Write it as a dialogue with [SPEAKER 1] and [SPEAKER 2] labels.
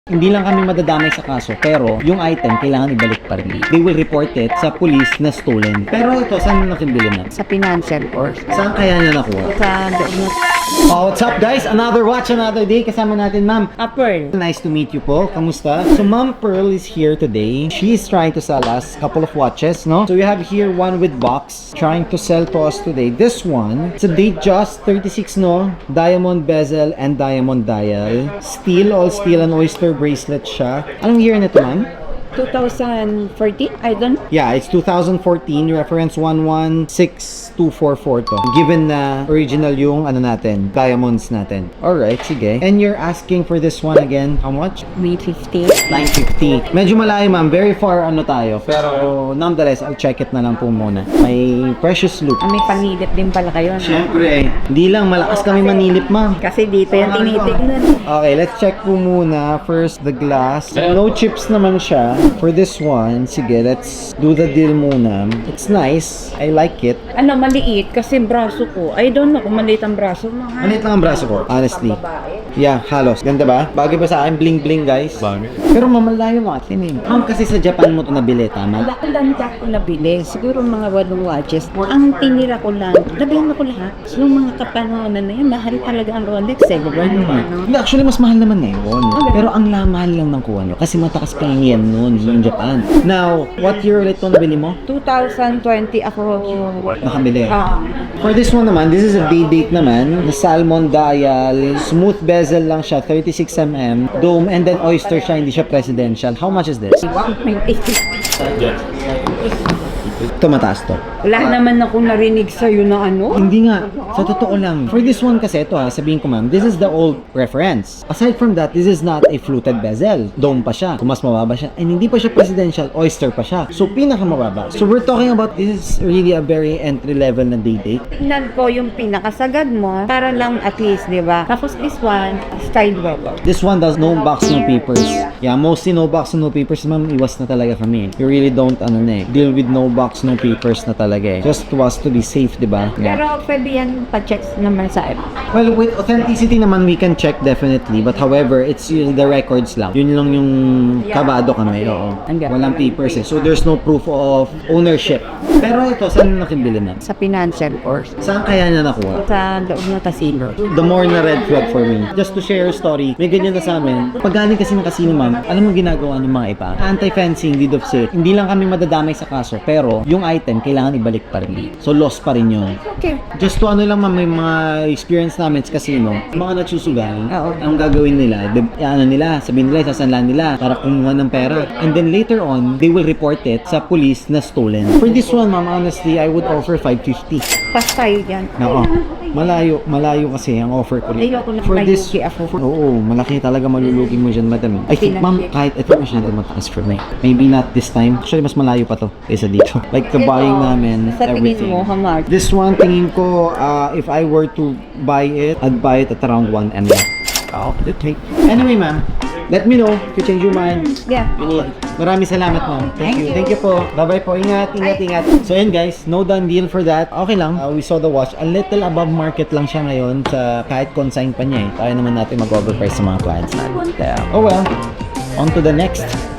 [SPEAKER 1] Hindi lang kami madadamay sa kaso, pero yung item kailangan ibalik pa rin. They will report it sa police na stolen. Pero ito, saan mo nakibili na?
[SPEAKER 2] Sa financial or
[SPEAKER 1] Saan kaya niya nakuha?
[SPEAKER 2] sa loob ng
[SPEAKER 1] Oh, what's up guys? Another watch, another day. Kasama natin ma'am.
[SPEAKER 2] Pearl.
[SPEAKER 1] Nice to meet you po. Kamusta? So Ma'am Pearl is here today. She is trying to sell us a couple of watches, no? So we have here one with box trying to sell to us today. This one, it's a Datejust 36, no? Diamond bezel and diamond dial. Steel, all steel and oyster bracelet siya. Anong year nito ma'am?
[SPEAKER 2] 2014, I don't know.
[SPEAKER 1] Yeah, it's 2014, reference 116244 to. Given na original yung ano natin, diamonds natin. Alright, sige. And you're asking for this one again, how much?
[SPEAKER 2] May 50.
[SPEAKER 1] 950. Medyo malayo ma'am, very far ano tayo. Pero nonetheless, I'll check it na lang po muna. May precious loop.
[SPEAKER 2] May panilip din pala kayo, no?
[SPEAKER 1] Siyempre, hindi lang malakas kami manilip ma'am.
[SPEAKER 2] Kasi dito yung tinitignan.
[SPEAKER 1] Okay, let's check po muna. First, the glass. No chips naman siya. For this one, sige, let's do the deal muna. It's nice. I like it.
[SPEAKER 2] Ano, maliit kasi braso ko. I don't know kung maliit ang braso mo, ha?
[SPEAKER 1] Maliit lang ang braso ko, honestly.
[SPEAKER 2] Babae.
[SPEAKER 1] Yeah, halos. Ganda ba? Bagay ba sa akin? Bling bling, guys? Bagay. Pero mamalayo mga atin eh. Ma'am, kasi sa Japan mo to nabili, tama?
[SPEAKER 2] Ang dami ko nabili. Siguro mga 8 watches. Ang tinira ko lang, nabihan ko lahat. Yung mga kapanonan na yun, mahal talaga ang Rolex.
[SPEAKER 1] Hindi, actually, mas mahal naman ngayon. Pero ang mahal lang ng kuha nyo. Kasi matakas pa yung yen noon, yung Japan. Now, what year ulit ito nabili mo?
[SPEAKER 2] 2020 ako.
[SPEAKER 1] Nakabili. For this one naman, this is a D-date naman. The salmon dial, smooth bezel lang siya, 36mm, dome, and then oyster siya, hindi siya presidential. How much is this?
[SPEAKER 2] 1.80.
[SPEAKER 1] Ito mataas to.
[SPEAKER 2] Wala naman akong narinig sa'yo na ano.
[SPEAKER 1] Hindi nga, sa totoo lang. For this one kasi, ito ha, sabihin ko ma'am, this is the old reference. Aside from that, this is not a fluted bezel. Dome pa siya. Kung mas mababa siya. And hindi pa siya presidential, oyster pa siya. So, pinakamababa. So, we're talking about, this is really a very entry level na D-date.
[SPEAKER 2] Tingnan ko yung pinakasagad mo para lang at least, di ba? Tapos this one, style weather.
[SPEAKER 1] This one does no box, no papers. Yeah, mostly no box, no papers. Ma'am, iwas na talaga kami. You really don't, deal with no box, no papers na talaga eh. Just to us to be safe, di ba? Yeah.
[SPEAKER 2] Pero pwede yan pa-checks naman sa app.
[SPEAKER 1] Well, with authenticity naman, we can check definitely. But however, it's the records lang. Yun lang yung kabado kami. Oo. Walang papers eh. So, there's no proof of ownership. Pero ito, saan mo nakibili na?
[SPEAKER 2] Sa financial or
[SPEAKER 1] Saan kaya niya nakuha?
[SPEAKER 2] sa loob ng casino.
[SPEAKER 1] The more na red flag for me. Just to share a story, may ganyan na sa amin. Pag galing kasi ng casino, ma'am, alam mo ginagawa ng mga iba? Anti-fencing, deed of sale. Hindi lang kami madadamay sa kaso, pero yung item, kailangan ibalik pa rin. So, loss pa rin yun.
[SPEAKER 2] Okay.
[SPEAKER 1] Just to ano lang ma'am, may mga experience namin sa casino, mga nagsusugal,
[SPEAKER 2] Oo.
[SPEAKER 1] ang gagawin nila, sabihin nila, sasanlan nila para kumuha ng pera. And then later on, they will report it sa police na stolen. For this one, ma'am, honestly, I would offer 550.
[SPEAKER 2] Pas tayo dyan.
[SPEAKER 1] Oo. Malayo kasi ang offer ko.
[SPEAKER 2] Ayoko na
[SPEAKER 1] For this,
[SPEAKER 2] malulugi ako.
[SPEAKER 1] oo, malaki talaga malulugi mo dyan, madam. I think, ma'am, kahit ito masyado mataas for me. Maybe not this time. Actually, mas malayo pa to kaysa dito. Like the buying namin,
[SPEAKER 2] Sa tingin
[SPEAKER 1] everything.
[SPEAKER 2] mo, how much?
[SPEAKER 1] This one, tingin ko, if I were to buy it, I'd buy it at around 1 M. Oh, okay. Anyway, ma'am, let me know if you change your mind.
[SPEAKER 2] Yeah.
[SPEAKER 1] Maraming salamat, ma'am. Thank you. Thank you po. Bye-bye po. Ingat. So, yun guys, no done deal for that. Okay lang. We saw the watch. A little above market lang siya ngayon sa kahit consign pa niya eh. Kaya naman natin mag-overprice sa mga clients natin. Oh well. On to the next.